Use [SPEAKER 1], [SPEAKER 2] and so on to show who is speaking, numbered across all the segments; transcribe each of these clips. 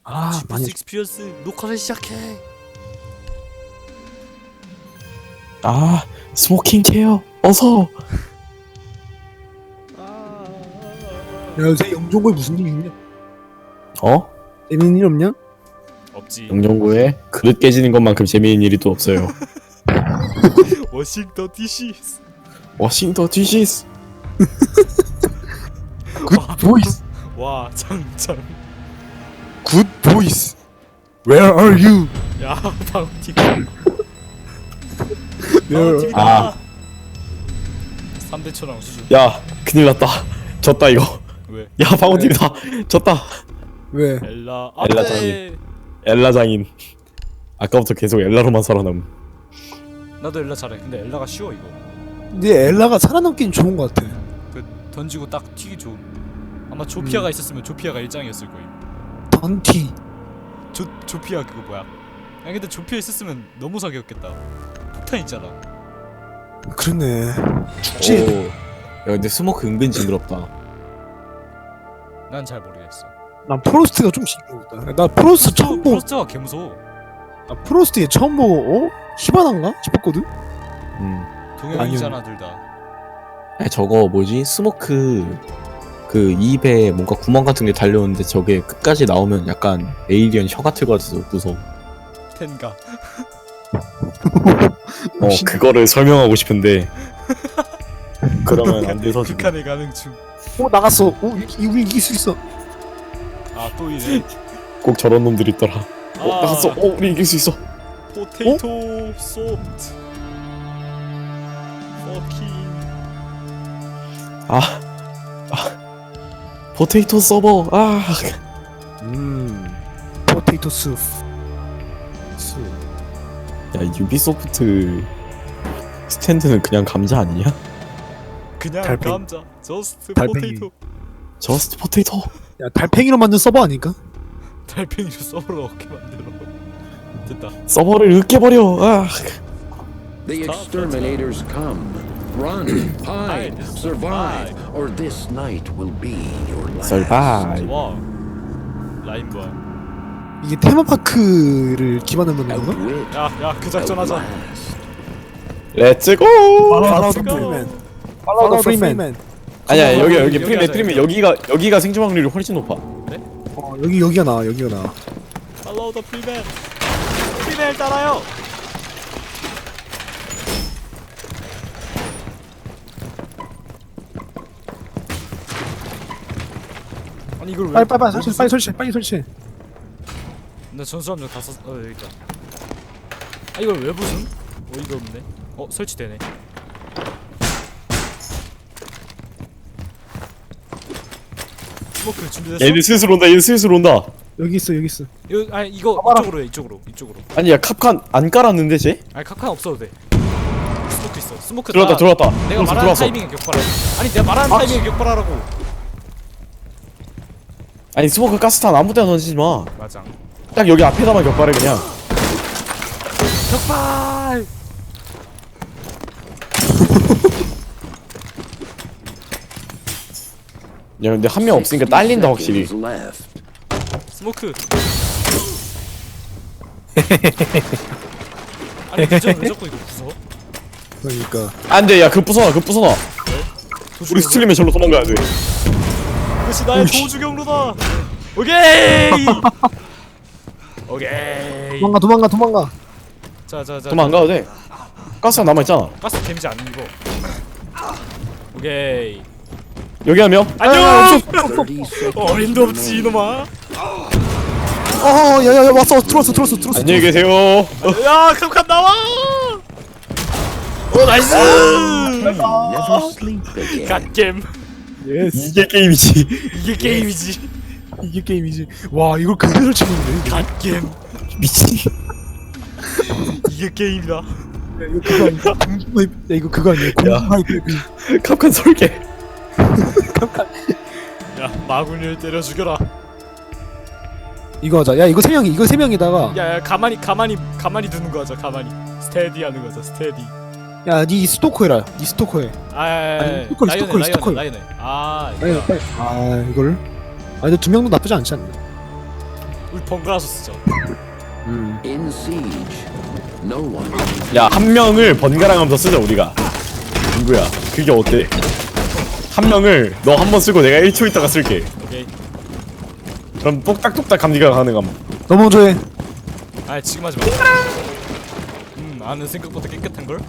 [SPEAKER 1] 아 많이
[SPEAKER 2] 익스피리언스 녹화를 시작해.
[SPEAKER 3] 아 스모킹 케어 어서.
[SPEAKER 1] 야 요새 영종고에 무슨 일 있냐?
[SPEAKER 3] 어?
[SPEAKER 1] 재밌는 일 없냐?
[SPEAKER 2] 없지.
[SPEAKER 3] 영종구에 그릇 깨지는 것만큼 재미있는 일이 또 없어요.
[SPEAKER 2] 워싱턴 DC.
[SPEAKER 3] 워싱턴 디시스.
[SPEAKER 1] 굿 보이스
[SPEAKER 2] 와 장장.
[SPEAKER 1] 굿 보이스 Where are you?
[SPEAKER 2] 야 방팀.
[SPEAKER 1] Where
[SPEAKER 3] 아.
[SPEAKER 2] 3대 천왕 수준.
[SPEAKER 3] 야 큰일 났다. 졌다 이거.
[SPEAKER 2] 왜?
[SPEAKER 3] 야 방어팀이다. 졌다.
[SPEAKER 1] 왜?
[SPEAKER 2] 엘라.
[SPEAKER 3] 엘라
[SPEAKER 2] 안돼.
[SPEAKER 3] 장인. 엘라 장인. 아까부터 계속 엘라로만 살아남.
[SPEAKER 2] 나도 엘라 잘해. 근데 엘라가 쉬워 이거.
[SPEAKER 1] 근데 엘라가 살아남긴 좋은 것 같아.
[SPEAKER 2] 그 던지고 딱 튀기 좋은. 아마 조피아가 있었으면 조피아가 일장이었을 거임.
[SPEAKER 1] 던티
[SPEAKER 2] 조피아 그거 뭐야? 야 근데 조피아 있었으면 너무 사기였겠다. 폭탄 있잖아.
[SPEAKER 1] 그러네. 죽지.
[SPEAKER 3] 오. 야 근데 스모크 은근 징그럽다.
[SPEAKER 2] 난 잘 모르겠어.
[SPEAKER 1] 난 프로스트가 좀 징그럽다. 나 프로스트 처음 보고
[SPEAKER 2] 프로스트가 개무서워.
[SPEAKER 1] 나 프로스트 얘 처음 보고 히바나인가 싶었거든.
[SPEAKER 2] 동양이잖아 둘 다.
[SPEAKER 3] 아니 저거 뭐지? 스모크 그 입에 뭔가 구멍 같은 게 달려오는데 저게 끝까지 나오면 약간 에이리언 혀 같을 것 같아서 무서워.
[SPEAKER 2] 텐가.
[SPEAKER 3] 그거를 설명하고 싶은데 그러면 안 돼서 지금.
[SPEAKER 2] 극한의 가능 중.
[SPEAKER 1] 나갔어. 우리 이길 수 있어.
[SPEAKER 2] 아 또 이래.
[SPEAKER 3] 꼭 저런 놈들이 있더라.
[SPEAKER 2] 아,
[SPEAKER 3] 나갔어. 우리 이길 수 있어.
[SPEAKER 2] 포테이토 소프트. 퍼킹.
[SPEAKER 3] 포테이토 서버.
[SPEAKER 1] 포테이토 숲.
[SPEAKER 3] 야 유비소프트 스탠드는 그냥 감자 아니냐?
[SPEAKER 2] 그냥
[SPEAKER 1] 달팽이.
[SPEAKER 2] 감자. 저스트
[SPEAKER 1] 달팽이.
[SPEAKER 2] 포테이토.
[SPEAKER 3] 저스트 포테이토.
[SPEAKER 1] 야 달팽이로 만든 서버 아닐까?
[SPEAKER 2] 달팽이로 서버로 어떻게 만들어? 됐다.
[SPEAKER 3] 서버를 으깨버려.
[SPEAKER 4] The
[SPEAKER 2] Stop,
[SPEAKER 4] exterminators come. Run, hide, survive, or this night will be your last.
[SPEAKER 3] 설바이.
[SPEAKER 2] 와. 라인 봐.
[SPEAKER 1] 이게 테마파크를 기반으로 만든 건가?
[SPEAKER 4] Outwit,
[SPEAKER 2] 야 그 작전 하자.
[SPEAKER 4] outlast.
[SPEAKER 3] 렛츠고.
[SPEAKER 1] 팔로우 더
[SPEAKER 2] 렛츠고.
[SPEAKER 1] 프리맨. 팔로우 더 프리맨.
[SPEAKER 3] 아니야 여기
[SPEAKER 2] 여기
[SPEAKER 3] 프리맨
[SPEAKER 2] 하자,
[SPEAKER 3] 프리맨
[SPEAKER 2] 여기.
[SPEAKER 3] 여기가 생존 확률이 훨씬 높아.
[SPEAKER 1] 여기가 나와. 여기가 나와.
[SPEAKER 2] 팔로우 더 프리맨. 프리맨 따라요. 아니 이걸 왜?
[SPEAKER 1] 빨리 설치.
[SPEAKER 2] 나 전수함정 다 썼. 여기 있다. 아 이걸 왜 부순? 어이가 없네. 설치되네. 스모크 준비됐어?
[SPEAKER 3] 얘들 슬슬 온다. 얘들 슬슬 온다.
[SPEAKER 1] 여기 있어.
[SPEAKER 2] 이거 아니 이거
[SPEAKER 1] 봐봐라.
[SPEAKER 2] 이쪽으로 해 이쪽으로.
[SPEAKER 3] 아니 야 캅칸 안 깔았는데 쟤?
[SPEAKER 2] 아니 카칸 없어도 돼. 스모크 있어. 스모크
[SPEAKER 3] 들어왔다.
[SPEAKER 2] 내가 말하는 타이밍에 격발해. 아니 내가 말하는 타이밍에 격발하라고.
[SPEAKER 3] 아니 스모크 가스탄 아무 데나 던지지 마.
[SPEAKER 2] 맞아.
[SPEAKER 3] 딱 여기 앞에다만 격발해 그냥.
[SPEAKER 2] 격발.
[SPEAKER 3] 야 근데 한 명 없으니까
[SPEAKER 4] 60
[SPEAKER 3] 딸린다 확실히.
[SPEAKER 4] seconds left.
[SPEAKER 2] 스모크. 아니 왜 자꾸 이거 부숴?
[SPEAKER 1] 그러니까
[SPEAKER 3] 안돼 야 그거 부숴놔. 우리 스틸리면 절로 도망가야 돼.
[SPEAKER 2] 이것이 나의 도주 경로다. 오케이. 오케이.
[SPEAKER 1] 도망가.
[SPEAKER 2] 자자자.
[SPEAKER 3] 도망가도 돼. 가스가 남아있잖아.
[SPEAKER 2] 가스 데미지 안 입어. 오케이.
[SPEAKER 3] 여기 한 명.
[SPEAKER 2] 안녕.
[SPEAKER 4] 30 seconds
[SPEAKER 2] 어림도 없지
[SPEAKER 4] remaining.
[SPEAKER 2] 이놈아.
[SPEAKER 1] 야야야 왔어. 들어왔어.
[SPEAKER 3] 안녕히 계세요.
[SPEAKER 2] 야 캄캄 나와. 오 나이스.
[SPEAKER 4] Never sleep again.
[SPEAKER 2] 갓겜.
[SPEAKER 3] 이게 게임이지.
[SPEAKER 2] 이게 게임이지.
[SPEAKER 1] 이게 게임이지. 와 이걸 그대로 설치는데.
[SPEAKER 2] 갓겜.
[SPEAKER 3] 미친.
[SPEAKER 2] 이게 게임이다.
[SPEAKER 1] 야 이거 그거 아니야? 공중하이프. 야 이거 그거 아니야? 공중하이프.
[SPEAKER 3] 캅칸 설계.
[SPEAKER 2] 야 마군을 때려 죽여라.
[SPEAKER 1] 이거 하자. 야 이거 세 명이다가.
[SPEAKER 2] 야야 가만히 두는 거 하자. 가만히 스테디 하는 거자. 스테디.
[SPEAKER 1] 야니 스토커 해라. 니 스토커 해.
[SPEAKER 2] 아니
[SPEAKER 1] 스토커.
[SPEAKER 2] 라이언. 아
[SPEAKER 1] 빨리.
[SPEAKER 2] 이거.
[SPEAKER 1] 이거를. 아 근데 두 명도 나쁘지 않지 않나?
[SPEAKER 2] 우리 번갈아서 쓰자.
[SPEAKER 4] In siege, no one.
[SPEAKER 5] 야, 한 명을 번갈아가면서 쓰자 우리가. 누구야? 그게 어때? 한 명을 너 한 번 쓰고 내가 1초 있다가 쓸게.
[SPEAKER 2] 오케이.
[SPEAKER 5] 그럼 똑딱똑딱 감기가 가능함.
[SPEAKER 1] 너 먼저 해.
[SPEAKER 2] 아 지금 하지 마. 아는 생각보다 깨끗한 걸.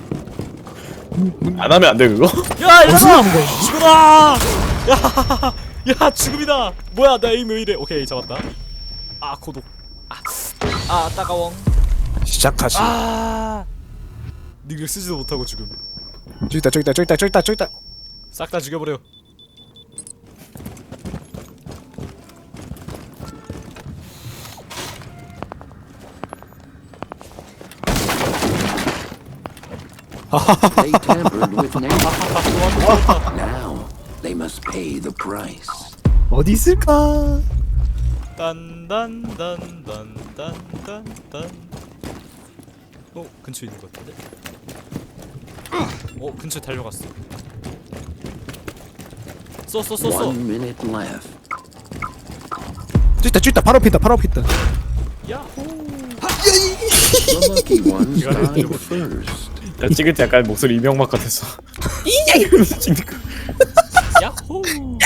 [SPEAKER 5] 안 하면 안 돼 그거?
[SPEAKER 2] 야 이러다 죽어라. 야 죽음이다. 뭐야 나 에임 왜 이래? 오케이 잡았다. 아 고독. 아 따가워.
[SPEAKER 1] 시작하시.
[SPEAKER 2] 아 닉을 쓰지도 못하고 죽음.
[SPEAKER 1] 저기 있다 저기 있다 저기 있다 저기 있다 저기 있다.
[SPEAKER 2] 싹 다 죽여버려.
[SPEAKER 4] They tampered with nature. Now they must pay the price.
[SPEAKER 1] 어디 있을까?
[SPEAKER 2] 딴딴딴딴딴딴딴. 근처에 있는 것 같은데? 근처에 달려갔어. 쏘.
[SPEAKER 4] 1 minute left.
[SPEAKER 1] 저기 있다 바로 앞에 있다 바로 앞에 있다.
[SPEAKER 2] 야호.
[SPEAKER 4] The lucky ones died first.
[SPEAKER 5] 야, 찍을 때 약간 목소리 이명박 같았어. 이러면서 찍는 거.
[SPEAKER 2] 야호.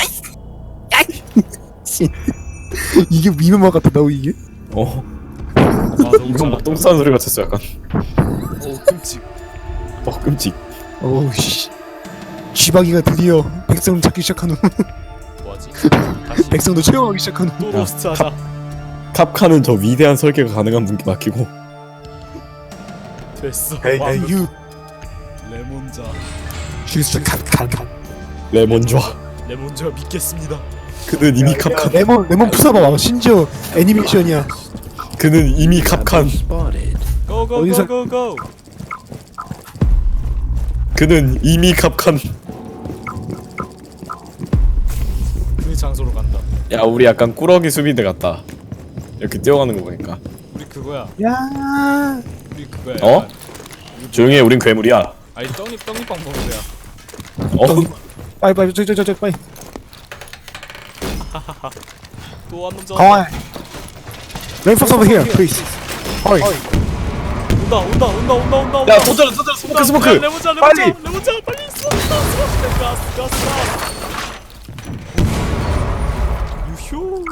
[SPEAKER 1] 이게 미묘마 같다 나 이게.
[SPEAKER 5] 어.
[SPEAKER 2] 아 너무
[SPEAKER 5] 이명박
[SPEAKER 2] 잘한다.
[SPEAKER 5] 똥 싸는 소리 같았어 약간.
[SPEAKER 2] 끔찍.
[SPEAKER 5] 끔찍.
[SPEAKER 1] 어우 씨. 쥐박이가 드디어 백성을 찾기 시작한 후
[SPEAKER 2] 뭐하지? 다시
[SPEAKER 1] 백성도 채용하기 시작한 후.
[SPEAKER 2] 또 로스트 하자.
[SPEAKER 5] 캅카는 저 위대한 설계가 가능한 분께 맡기고.
[SPEAKER 2] 됐어.
[SPEAKER 1] Hey,
[SPEAKER 2] 왕.
[SPEAKER 1] hey, you.
[SPEAKER 2] 레몬자.
[SPEAKER 1] She's 칸.
[SPEAKER 5] 레몬 좋아.
[SPEAKER 2] 레몬자 믿겠습니다.
[SPEAKER 5] 그는 이미 캅칸.
[SPEAKER 1] 레몬 푸사봐. 심지어 애니메이션이야.
[SPEAKER 5] 그는 이미 캅칸.
[SPEAKER 4] Spotted.
[SPEAKER 1] 어디서-
[SPEAKER 2] 고고고고고.
[SPEAKER 5] 그는 이미 캅칸.
[SPEAKER 2] 그 장소로 간다.
[SPEAKER 5] 야, 우리 약간 꾸러기 수비대 같다. 이렇게 뛰어가는 거 보니까.
[SPEAKER 2] 우리 그거야.
[SPEAKER 1] 야.
[SPEAKER 2] 우리 그거야.
[SPEAKER 5] 어?
[SPEAKER 2] 약간.
[SPEAKER 5] 조용히 해, 우린 괴물이야.
[SPEAKER 2] 아니 떡잎빵 먹는 거야.
[SPEAKER 5] 어?
[SPEAKER 1] 빨리 저기 빨리.
[SPEAKER 2] 또 한 놈
[SPEAKER 1] 가와. Reinforce over here, please. Hurry.
[SPEAKER 2] 온다.
[SPEAKER 5] 야, 도전, 스모크.
[SPEAKER 2] 레몬자.
[SPEAKER 5] 빨리!
[SPEAKER 2] 레몬자 빨리 쏘. 가스. 유효.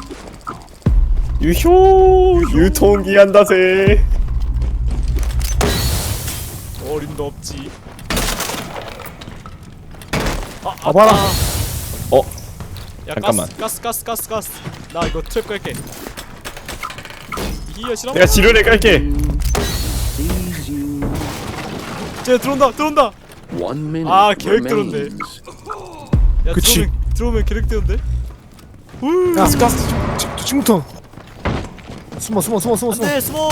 [SPEAKER 5] 유효, 유통기한다세.
[SPEAKER 2] 어림도 없지.
[SPEAKER 1] 봐봐라.
[SPEAKER 5] 어?
[SPEAKER 2] 야
[SPEAKER 5] 잠깐만.
[SPEAKER 2] 가스. 나 이거 트랩 깔게. 이기야 싫어?
[SPEAKER 5] 내가 지뢰를 깔게.
[SPEAKER 4] Sees you.
[SPEAKER 2] 쟤 들어온다.
[SPEAKER 4] 1 minute
[SPEAKER 2] 아, 계획대로인데.
[SPEAKER 4] remains.
[SPEAKER 2] 야
[SPEAKER 1] 그치.
[SPEAKER 2] 들어오면 계획대로인데?
[SPEAKER 1] 야, 가스. 지금부터. 숨어.
[SPEAKER 2] 안돼 스모.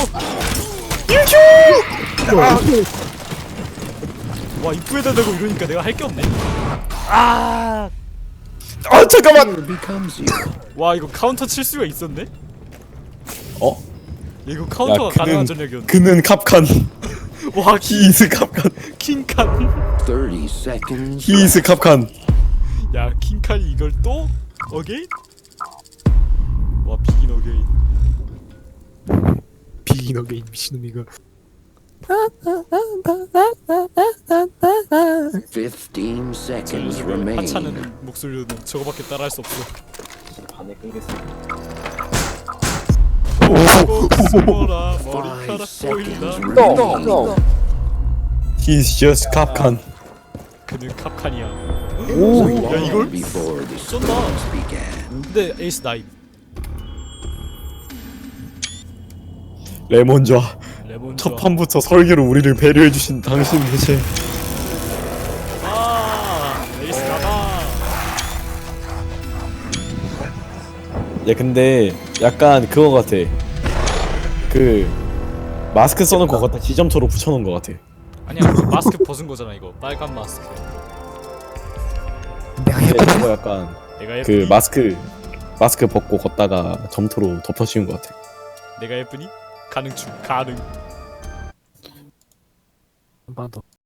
[SPEAKER 2] 와 입구에다 대고 이러니까 내가 할 게 없네.
[SPEAKER 5] 아, 잠깐만.
[SPEAKER 4] Fear becomes you.
[SPEAKER 2] 와 이거 카운터 칠 수가 있었네?
[SPEAKER 5] 어?
[SPEAKER 2] 야, 이거 카운터가 가능한 전략이었네.
[SPEAKER 5] 그는 캅칸.
[SPEAKER 2] 와
[SPEAKER 5] 히이스 캅칸.
[SPEAKER 2] 킹칸.
[SPEAKER 4] 30 seconds.
[SPEAKER 5] 히이스 캅칸.
[SPEAKER 2] 야 킹칸이 이걸 또? 어게인? 와 비긴 어게인.
[SPEAKER 1] 비긴 어게인 미친놈이가.
[SPEAKER 4] 15 seconds remain.
[SPEAKER 2] 하찮은 목소리로는 저거밖에 따라할 수 없어. 오 숨어라 머리카락
[SPEAKER 4] 5
[SPEAKER 2] 보인다.
[SPEAKER 4] seconds remain.
[SPEAKER 5] He's just 캅칸.
[SPEAKER 2] 그는 캅칸이야.
[SPEAKER 1] 오.
[SPEAKER 2] 야 이걸?
[SPEAKER 4] Before the
[SPEAKER 2] 쏜다.
[SPEAKER 4] storms began.
[SPEAKER 2] 근데 에이스 나임.
[SPEAKER 5] 레몬 좋아.
[SPEAKER 2] 레몬
[SPEAKER 5] 첫 판부터 설계로 우리를 배려해주신 당신 대체.
[SPEAKER 2] 에이스 나다.
[SPEAKER 5] 야, 근데 약간 그거 같아. 그 마스크 써놓은 거 갖다 지점초로 붙여놓은 거 같아.
[SPEAKER 2] 아니야 그 마스크 벗은 거잖아 이거 빨간 마스크.
[SPEAKER 1] 내가
[SPEAKER 5] 근데
[SPEAKER 1] 해보자.
[SPEAKER 5] 이거 약간
[SPEAKER 2] 내가 예쁘니?
[SPEAKER 5] 그 마스크 벗고 걷다가 점토로 덮어씌운 거 같아.
[SPEAKER 2] 내가 예쁘니? 가능.
[SPEAKER 1] 한번 더.